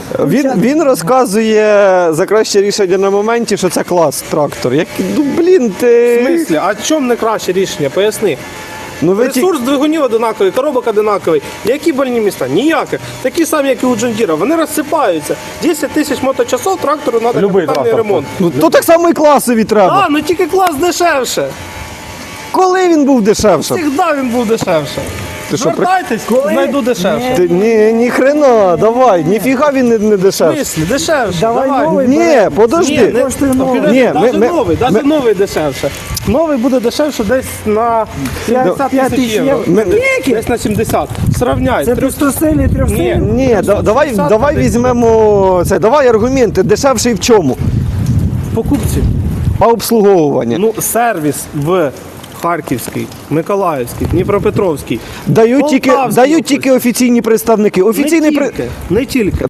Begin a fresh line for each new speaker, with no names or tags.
Він розказує за краще рішення на моменті, що це клас трактор. Ну, блін, ти...
В смислі? А чому не краще рішення? Поясни.
Ну,
Ресурс двигунів одинаковий, коробок одинаковий. Які больні міста? Ніяких. Такі самі, як і у Джондіра. Вони розсипаються. 10 тисяч моточасов трактору треба
Любий
капітальний
трактор.
ремонт.
Ну, то так само і класові треба.
Ну тільки клас дешевше.
Коли він був дешевшим?
Завжди він був дешевше.
Ти що,
Звертайтесь, знайду дешевше.
Ні хрена, давай, ніфіга він не
В
дешевший.
смислі? Дешевше.
Давай новий.
Ні, подожди.
Коштує новий.
Ні,
Навіть новий дешевше. Новий буде дешевше десь на 50
5
тисяч євро.
Скільки?
Десь на 70. Сравняй.
Це пустосильний,
Ні.
трьохсильний?
Ні, давай візьмемо це, давай аргументи, дешевший в чому?
Покупці.
А обслуговування?
Ну, сервіс в Харківський, Миколаївський, Дніпропетровський.
Дають
Полтавський
тільки офіційні представники.
Не
Офіційний
тільки.